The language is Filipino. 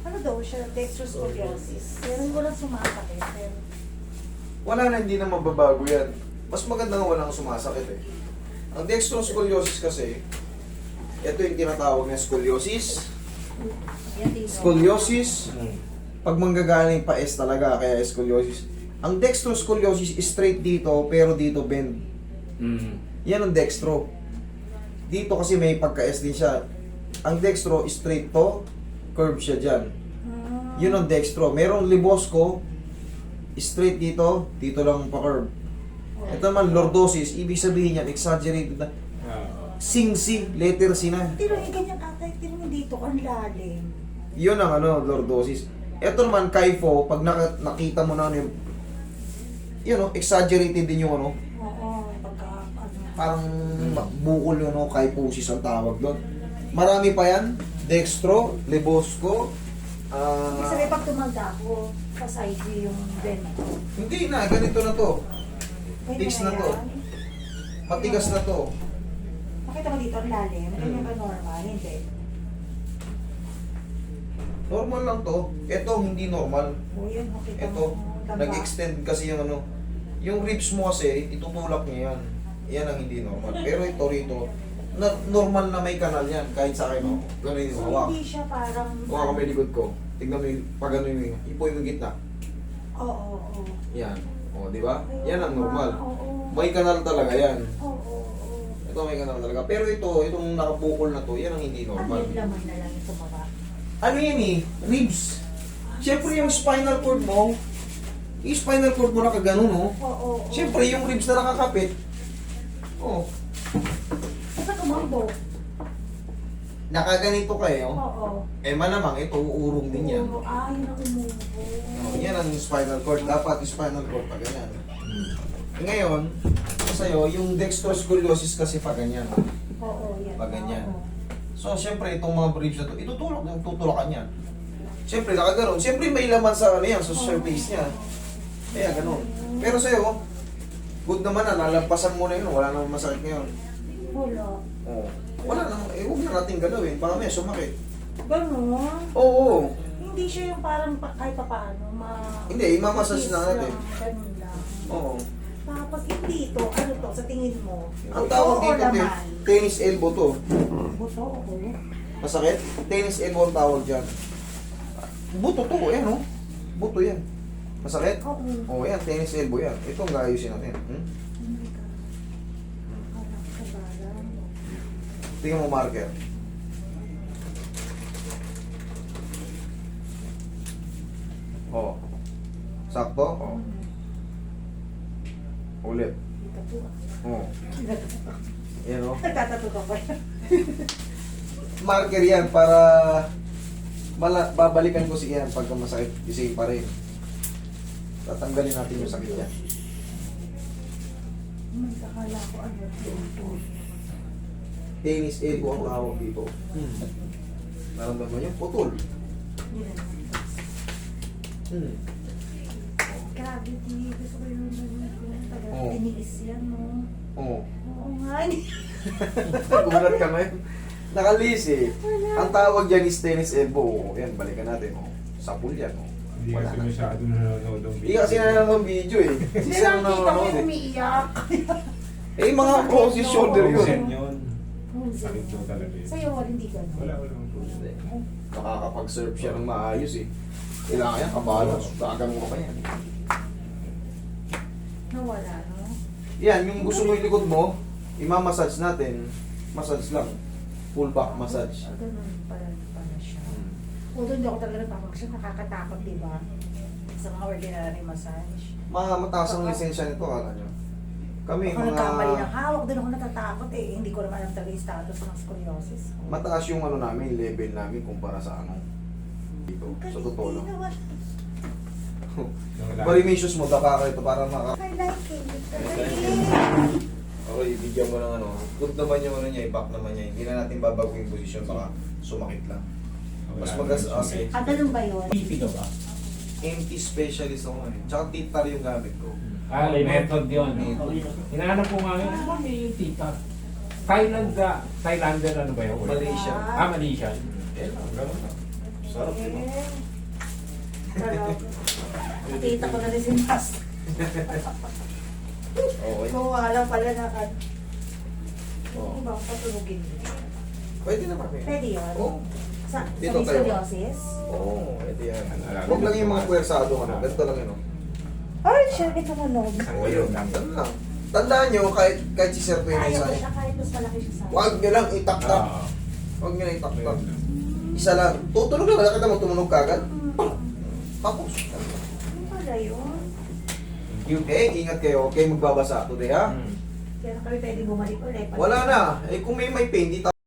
Ano daw siya? Dextroscoliosis. Pero walang sumasakit. Pero Wala na, hindi na mababago yan. Mas maganda nga walang sumasakit eh. Ang dextroscoliosis kasi, ito yung tinatawag na scoliosis. yan din. Scoliosis, pag manggagaling pa S talaga, kaya scoliosis. Ang dextroscoliosis is straight dito, pero dito bend. Yan ang dextro. Dito kasi may pagka-S din siya. Ang dextro is straight to, curve siya dyan. Yun ang dextro. Merong libosco, straight dito, dito lang pa-curve. Ito naman, lordosis, ibig sabihin yan, exaggerated na. Sing-si, letter C na. Tiro yung ganyan atay, tiro yung dito, ang lalim. Yun ang lordosis. Ito naman, kypho, pag nakita mo na yung, yun exaggerated din yung Oo, pagka, parang bukol yun, kyphosis ang tawag doon. Marami pa yan, dextro, libosco, Ibig sabihin pag tumanda ako, sa side view yung vento. hindi na, ganito na to. Pwede Fix na na to. yan? Matigas na to. Makita mo dito ang lalim, ganyan ka normal, hindi. Normal lang to. Ito, hindi normal. O yun, makita Ito, mo. taba. nag-extend kasi yung yung ribs mo kasi, itutulak niya yan. Yan ang hindi normal. Pero ito rito, normal na may kanal yan, kahit sa akin, Ganun yung So, hawak. hindi siya parang... Huwag ka may likod ko. Tignan mo yung, pag ano yung, ipo yung gitna. Oo, oo. Yan. O, di ba? Yan ang normal. Oo, May kanal talaga yan. oo, oo. Ito may kanal talaga. Pero ito, itong nakabukol na to, yan ang hindi Ano normal. yung laman na lang yung tumaba? Ano yan eh? Ribs. Siyempre yung spinal cord mo, yung spinal cord mo nakaganon, Oo, oo. Siyempre yung ribs na nakakapit, Basta tumambo. nakaganito kayo, Oo. malamang ito, uurong din yan. Oo, yun ang umubo. Yan ang spinal cord. Dapat yung spinal cord pa ganyan. Ngayon, sa'yo, yung dextroscoliosis kasi pa ganyan. Oo, yan. Pag ganyan. Oo. So, siyempre, itong mga ribs na to, tutulak yan. Siyempre, nakaganon. Siyempre, may laman sa yan, sa surface niya. Kaya ganon. Pero sa'yo, good naman na, nalampasan mo na yun, wala namang masakit ngayon. Wala. Oo. Wala namang, huwag na natin galawin, baka may sumakit. Ganun. Oo. Hindi siya yung parang kahit pa paano, Hindi, imamassage na natin. Ganun lang. Oo. Tapos yung dito, ano to, sa tingin mo? Ang tawag Buto o dito, laman? tennis elbow to. Buto o ulo? Masakit? Tennis elbow ang tawag dyan. Buto to, Buto yan. Masakit? Oo. Oo, yan, tennis elbow yan. Ito ang gaayusin natin. Oh my God. Parang kabalan. Tingnan mo marker. Oo. Sakto? Oo. Ulit. Dito po. Oo. Yan o. Nagtatato ka pa. Marker yan para babalikan ko si Ian pagka masakit. Kasi pa rin. Tatanggalin natin yung sakit niya. May kakala ko ano dito. Tennis elbow ang tawag dito. Naramdaman niyo? Putol. Yun na. Hmm. Grabe, di. Gusto ko yung Oo. tiniis yan, no? Oo. Oo nga. Gulat ka ngayon. Nakalis eh. Wala. Ang tawag dyan is tennis elbow. Yan, balikan natin. Sapul yan. Hindi Wala kasi na. masyado nanonood ng Hindi kasi nanonood ng video eh. Hindi Isa lang na kita ko nanonood yung eh. umiiyak. Eh, mga crossy shoulder Frozen yun. yun. Sakit daw talaga yun. Sa'yo, hindi ganun. Wala, walang Hindi. Nakakapag-serve siya ng maayos eh. Kailangan yan, kabalas. Dagan mo pa yan. Nawala, no? Yan, yung gusto mo yung likod mo, imamassage natin. Massage lang. Full back massage. Ganun pala siya. Although hindi ako talaga napapag-siya, nakakatakot, di ba? Sa mga ordinary massage. Mga mataas ang lisensya nito, kala nyo. Kami, Ako nagkamali ng mga hawak, doon ako natatakot eh. Hindi ko naman alam talaga yung status ng scoliosis. mataas yung namin, level namin kumpara sa dito. Sa totoo lang. Barimicious mo, daka ka ito para maka... I like it. Okay, bigyan mo ng good naman yung niya, i-back naman niya. Hindi na natin babago yung posisyon, baka sumakit lang. Mas magas-as eh. Ah, ganun ba yun? Pipi ka ba? MT specialist ako eh. Tsaka titar yung gamit ko. Method yun. Method. Hinahanap ko nga yun. Ano ba may tita? Thailander ano ba yun? Malaysia. Malaysia. Eh, ganun lang. Sa Sarap, di ba? Sarap. Nakita ko na rin si Master. Okay. Kung wala pala na kan. Oo. Iba, patulugin. Pwede naman eh. Pwede yun? Oo. Sa Dito tayo. scoliosis? Oo, pwede yan. Ano, Huwag lang yung mga puwersado ano. Ganito lang yun. Ay, share ito mo log. Oo, yun. Ganun lang. Tandaan nyo, kahit si Sir Tony Kaya ko sa siya kahit mas malaki siya sa akin. huwag nyo lang itaktak. Oo. Huwag nyo lang itaktak. Ayun lang. Isa lang. Tutulog lang. Nakita mo tumunog kagad. Tapos. Ano pala yun? Okay, ingat kayo. Okay, magbabasa today ha. Mm. Kaya na kami pwede bumalik ulit. Wala na. Eh kung may pain, di